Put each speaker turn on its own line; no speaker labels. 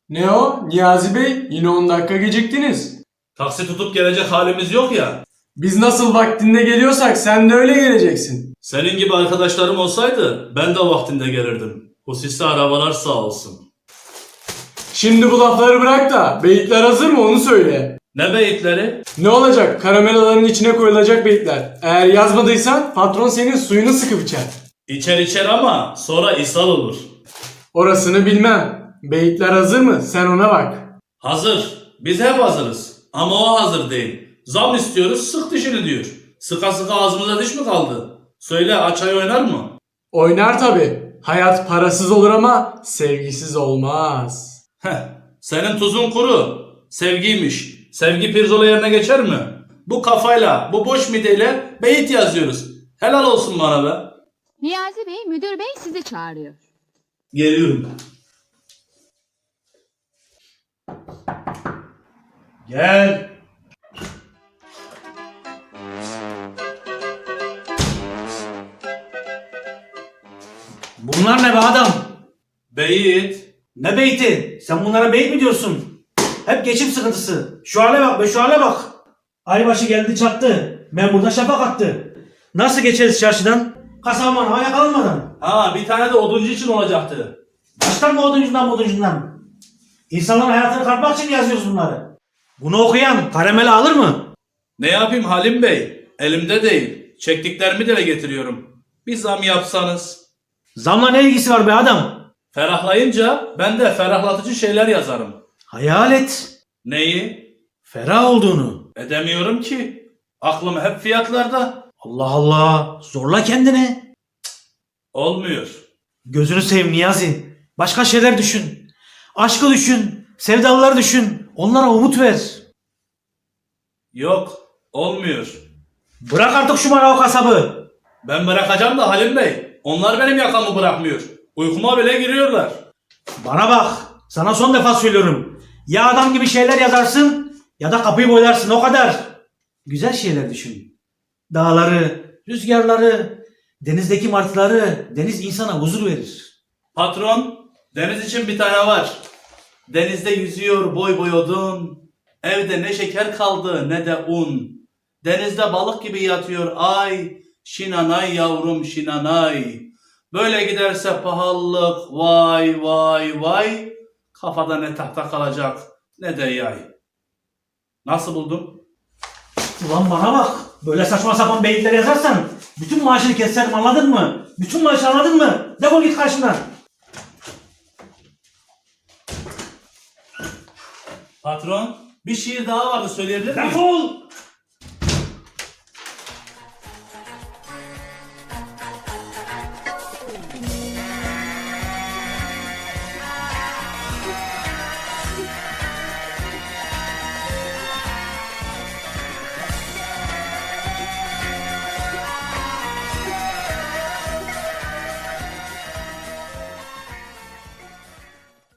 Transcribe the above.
Ne o? Niyazi Bey, yine 10 dakika geciktiniz.
Taksi tutup gelecek halimiz yok ya.
Biz nasıl vaktinde geliyorsak sen de öyle geleceksin.
Senin gibi arkadaşlarım olsaydı ben de vaktinde gelirdim. Hususi arabalar sağ olsun.
Şimdi bu lafları bırak da beyitler hazır mı onu söyle.
Ne beyitleri?
Ne olacak? Karamelaların içine koyulacak beyitler. Eğer yazmadıysan patron senin suyunu sıkıp içer.
İçer ama sonra ishal olur.
Orasını bilmem. Beyitler hazır mı? Sen ona bak.
Hazır. Biz hep hazırız. Ama o hazır değil. Zam istiyoruz, sık dişini diyor. Sıka sıka ağzımıza diş mi kaldı? Söyle, Açay oynar mı?
Oynar tabi. Hayat parasız olur ama sevgisiz olmaz.
Heh, senin tuzun kuru. Sevgiymiş. Sevgi pirzola yerine geçer mi? Bu kafayla, bu boş mideyle beyit yazıyoruz. Helal olsun bana be.
Niyazi Bey, müdür bey sizi çağırıyor.
Geliyorum. Gel.
Bunlar ne be adam?
Beyit.
Ne beyti? Sen bunlara beyit mi diyorsun? Hep geçim sıkıntısı. Şu hale bak be, şu hale bak. Aybaşı geldi çattı. Memurda şafak attı. Nasıl geçeriz çarşıdan? Kasaman havaya kalmadan.
Ha, bir tane de oduncu için olacaktı.
Baştan mı oduncundan? İnsanların hayatını kartmak için yazıyoruz bunları. Bunu okuyan karamele alır mı?
Ne yapayım Halim Bey? Elimde değil. Çektiklerimi dile getiriyorum. Bir zam yapsanız.
Zamla ne ilgisi var be adam?
Ferahlayınca ben de ferahlatıcı şeyler yazarım.
Hayal et.
Neyi?
Ferah olduğunu.
Edemiyorum ki. Aklım hep fiyatlarda.
Allah Allah. Zorla kendini.
Olmuyor.
Gözünü seveyim Niyazi. Başka şeyler düşün. Aşkı düşün. Sevdalıları düşün. Onlara umut ver.
Yok. Olmuyor.
Bırak artık şu manav kasabı.
Ben bırakacağım da Halim Bey. Onlar benim yakamı bırakmıyor. Uykuma bile giriyorlar.
Bana bak. Sana son defa söylüyorum. Ya adam gibi şeyler yazarsın ya da kapıyı boylarsın, o kadar. Güzel şeyler düşün. Dağları, rüzgarları, denizdeki martıları. Deniz insana huzur verir.
Patron, deniz için bir tane var. Denizde yüzüyor boy boy odun. Evde ne şeker kaldı ne de un. Denizde balık gibi yatıyor ay. Şinanay yavrum şinanay. Böyle giderse pahalılık vay vay vay. Kafada ne tahta kalacak ne de yay. Nasıl buldun?
Ulan bana bak. Böyle saçma sapan beyitler yazarsan bütün maaşını keserim, anladın mı? Bütün maaşı, anladın mı? Defol git karşımdan.
Patron, bir şiir daha vardı söyleyebilir miyim?
Defol!